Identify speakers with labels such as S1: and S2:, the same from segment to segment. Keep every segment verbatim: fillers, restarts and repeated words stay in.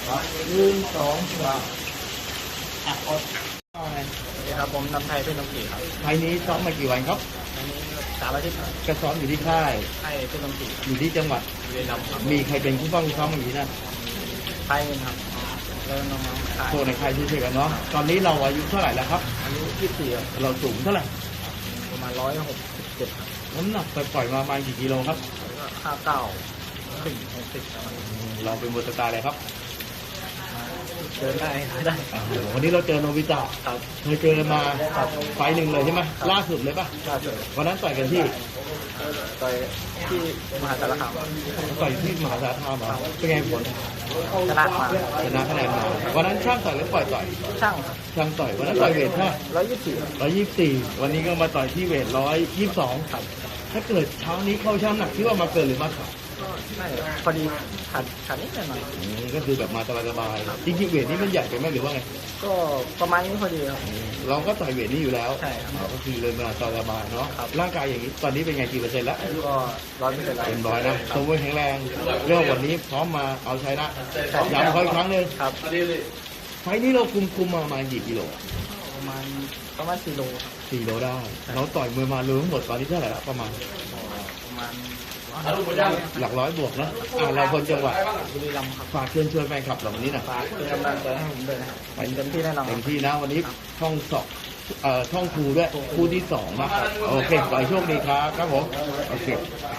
S1: ครับหนึ่งสองสามอ่ะอด
S2: สวัสดีครับผมนำไทยเป็นนมจีครับ
S1: ไฟนี้ซ้อมมากี่วันครับ
S2: อันนี้สามอาทิตย์
S1: ก็ซ้อมอยู่ที่ค่าย
S2: ให้เป็นนมจี
S1: อยู่ที่จังหวัด
S2: เรียนนำครับ
S1: มีใครเป็นผู้ป้องซ้อมอย่างนี้นะ
S2: ไทยเป็นครับเริ่มน้องๆขาย
S1: โทรในค่ายช่วยๆกันเนาะตอนนี้เราอายุเท่าไหร่แล้วครับ
S2: อายุยี่สิบสี่ครับ
S1: เราสูงเท่าไหร่
S2: ประมาณร้อยหกสิบเจ็ดครับ
S1: น้ำหนักปล่อยๆมาประมาณกี่กิโลครับ
S2: แล้วก็ห้าเก้าถึงหกสิบประมาณนี้
S1: เราเป็นบทสตาร์เลยครับ
S2: เดินได้ได้
S1: อ่าวันนี้เราเจอโนบิตะ
S2: ครับ
S1: เคยเจอกันมาไฟล์หนึ่งเลยใช่ไหมล่าสุดเลยปะ
S2: ล่าสุด
S1: วันนั้นต่อยกันที่
S2: ต่อยที่มหาสารคาม
S1: ต่อยที่มหาสารคามเหรอเป็นไงผล
S2: ชนะมา
S1: ชนะคะแนนมาวันนั้นช่างต่อยหรือปล่อยต่อย
S2: ช่างครับ
S1: ช่างต่อยวันนั้นต่อยเวทเท่าไหร่
S2: ร้อยยี่สิบสี่
S1: ร้อยยี่สิบสี่วันนี้ก็มาต่อยที่เวทร้อยยี่สิบสองครับถ้าเกิดเช้านี้เข้าช่างหนักที่ว่ามาเกินหรือมาขาด
S2: ก็ไม่พอดีขาดขาดนิดหน่อย
S1: อืมก็คือแบบมาสบายๆจริงๆเวทนี้มันใหญ่ไปไหมหรือว่าไง
S2: ก็ประมาณนี้พอดีครับ
S1: เราก็ต่อยเวทนี้อยู่แล้ว
S2: ใช่ครับ
S1: อ๋อก็คือเลยมาสบายๆเนาะ
S2: ครับ
S1: ร่างกายอย่างนี้ตอนนี้เป็นไงกี่เปอร์เซ็นต์แล้ว
S2: ก็ร้อยไม่เป็นไร
S1: เต็มร้อยนะสมบูรณ์แข็งแรงเรื่องวันนี้พร้อมมาเอาชนะย้ำเขาอีกครั้งหนึ่ง
S2: ครับ
S1: ไฟล์นี้เราคุมคุมมาประมาณกี่กิโล
S2: ประมาณประมาณสี่โลครับ
S1: สี่โลได้เราต่อยมวยมารวมทั้งหมดตอนนี้เท่าไหร่ละประมาณ
S2: ประมาณ
S1: หลักร้อยบวกนะอ่าเราคนจังหวัด
S2: บุรีรัมย์ครับ
S1: ฝากเชิญชวนแฟนคลับเราวันนี้หนะ
S2: ฝากเป็นกำลังใจให้ผมด้วยนะครับเต็มที่แน่นอนค
S1: เต็
S2: รับ
S1: มที่นะวันนี้ช่องสองเอ่อช่องครูด้วยคู่ที่สองนะโอเคขอให้โชคดีครับครับผมโอเค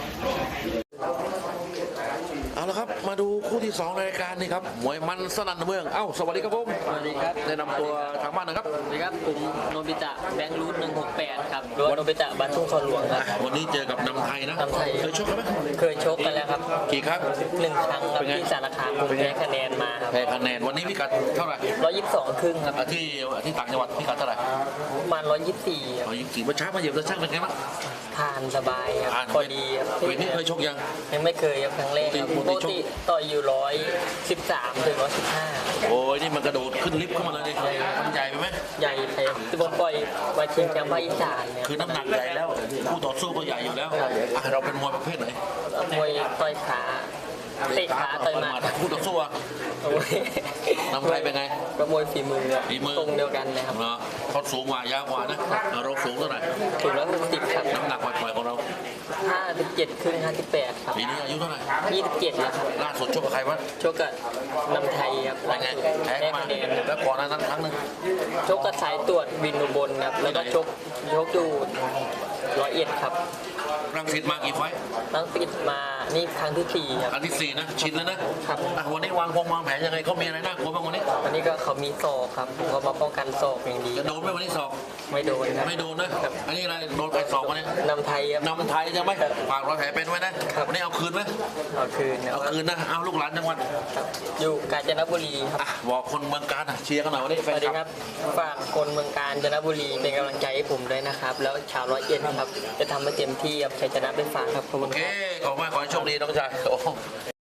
S3: เอาละครับมาดูคู่ที่สองในรายการนี่ครับมวยมันสนั่นเมืองเอ้าสวัสดีครับผม
S4: สวัสดีครับ
S3: แนะนำตัวทางบ้านหนะครับ
S4: สวัสดีครับผมโนบิตะแบงค์รูทหนึ่งหกแปดครับหรือว่าโนบิตะบ้านทุ่งคอนหลวงครับ
S3: อ่ะวันนี้เจอกับนำไทยนะ
S4: นำไทย
S3: เคยชกกันไหม
S4: เคยชกกันแล้วครับ
S3: กี่ครั้ง
S4: หนึ่งครั้งครับ
S3: เป็นไง
S4: ที่สารคามผมแพ้คะแนนมาครับ
S3: แพ้คะแนนวันนี้พิกัดเท่าไหร่
S4: ร้อยยี่สิบสองครึ่งครับ
S3: อ่ะที่ที่ต่างจังหวัดพิกัดเท่าไหร่
S4: ประมาณร้อยยี่สิบสี่
S3: เอายิงสี่เมื่อเช้ามาเหยียบตะช่างเป็นไงบ้าง
S4: ทานสบายครับ
S3: อ่าน
S4: พอดีครับ
S3: เวทนี้เคยชกยัง
S4: ยังไม่เคยครับครั้งแรกครับ
S3: ป
S4: ป
S3: กติ
S4: กติต่อยอยู่ร้อยสิบสามถึงร้อยสิบห้า
S3: โอ้ยนี่มันกระโดดขึ้นลิฟต์เข้ามาเลยดิมันใหญ่ไปไหม
S4: ใหญ่ไปที่ผมปล่อยมาชิงแชมป์ภาคอีสานเนี่ย
S3: คือน้ำหนักใหญ่แล้วคู่ต่อสู้ก็ใหญ่อยู่แล้วอ่ะเราเป็นมวยประเภทไหน
S4: มวยต่อยขาเตะขาต่อยหมัด
S3: คู่ต่อสู้อ่ะ
S4: โอ้ย
S3: นำไทยเป็นไง
S4: ก็มวยฝีมือครับ
S3: ฝีมือ
S4: ตรงเดียวกันเลยครับ
S3: เนาะเขาสูงกว่ายาวกว่านะเราสูงเท่าไหร่
S4: ถึงร้อยหกสิบครับ
S3: น้ำหนักปล่อยๆของเรา
S4: ห้าสิบเจ็ดครึ่งห้าสิบแปดครับ
S3: ปีนี้อายุเท่าไหร่
S4: ยี่สิบเจ็ดแล้วครับ
S3: ล่าสุดชกกับใครวะ
S4: ชกกับนำไทยครับ
S3: เป็นไงแพ้
S4: แพ้
S3: มา
S4: คะแนน
S3: แล้วก่อนหน้านั้นครั้งหนึ่ง
S4: ชกกับสายตรวจวินอุบลครับแล้วก็ชกชกอยู่ร้อยเอ็ดครับ
S3: รังสิตมากี่ไฟต์
S4: ตั้งปิดมานี่ครั้งที่สี่ครับ
S3: อันที่สี่นะ ชินแล้วนะครับ อ่ะวันนี้วางพงวางแผนยังไงเขามีอะไรน่ากลัวบ้างวันนี้
S4: วันนี้ก็เขามีศอกครับผมก็มาป้องกันศอกอย่างดี
S3: จะโดนไหมวันนี้สอบ
S4: ไม่โดนครับ
S3: ไม่โดนนะ อันนี้อะไรโดนไปสองวันนี้
S4: นำไทยครับ
S3: นำไทยจะไหมฝากรอยแผลเป็นไว้นะวันนี้เอาคืนไหม
S4: เอาคืนนะ
S3: เอาคืนนะเอาลูกหลานจังหวัด
S4: ครับอยู่กาญจนบุรีครับ
S3: อ่ะบอกคนเมืองการอ่ะเชียร์กันหน่อยวันนี้
S4: ส
S3: แฟน
S4: วัสดี
S3: ค
S4: ค
S3: ลั
S4: รับ บฝากคนเมืองกาญจนบุรีเป็นกำลังใจให้ผมด้วยนะครับ แล้วชาวร้อยเอ็ดครับ จะทำให้เต็มที่ครับชัยชนะเป็นฝากครับขอบคุ
S3: โอ
S4: ณ
S3: เค
S4: ครับ
S3: ขอบคุณมากขอให้โชคดีน้องชายโอ้